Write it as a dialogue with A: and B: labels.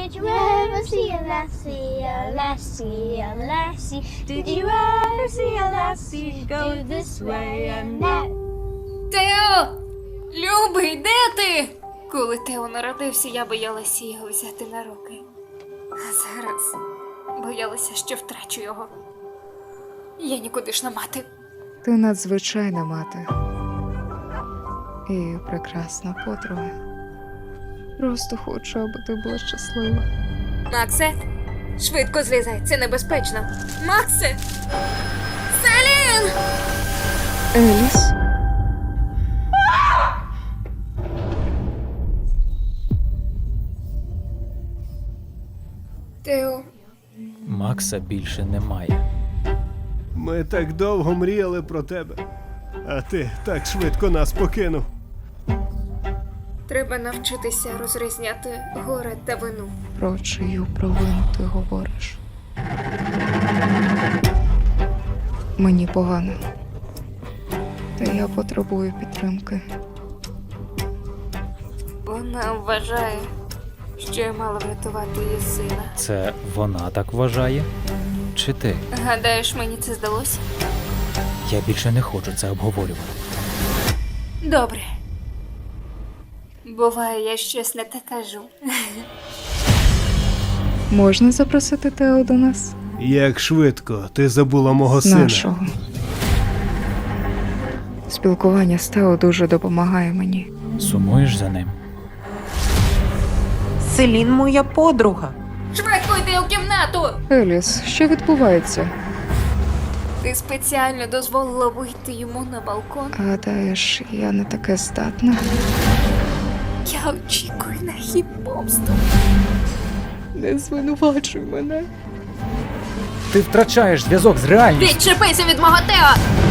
A: Did you ever see a lassie, a lassie, a lassie? Did you ever see a lassie go this way and that?
B: Тео! Любий, де ти? Коли Тео народився, я боялася його взяти на руки. А зараз боялася, що втрачу його. Я нікудишна мати.
C: Ти надзвичайна мати. І прекрасна подруга. Просто хочу, аби ти була щаслива.
B: Максе, швидко злізай, це небезпечно. Максе! Селін!
C: Еліс?
B: Тео,
D: Макса більше немає.
E: Ми так довго мріяли про тебе, а ти так швидко нас покинув.
B: треба навчитися розрізняти горе та вину.
C: Про чию провину ти говориш? Мені погано. Та я потребую підтримки.
B: Вона вважає, що я мала врятувати її сина.
D: Це вона так вважає? Чи ти?
B: Гадаєш, мені це здалося?
D: Я більше не хочу це обговорювати.
B: Добре. Буває, я щось не те кажу.
C: Можна запросити Тео до нас?
E: Як швидко ти забула мого сина.
C: Нашого. Спілкування з Тео дуже допомагає мені.
D: Сумуєш за ним?
F: Селін моя подруга.
B: Швидко йди у кімнату!
C: Еліс, що відбувається?
B: Ти спеціально дозволила вийти йому на балкон?
C: Гадаєш, я не таке здатна?
B: Я очікую на хід помсту.
C: Не звинувачуй мене.
D: Ти втрачаєш зв'язок з реальністю.
B: Відчепися від мого Тео!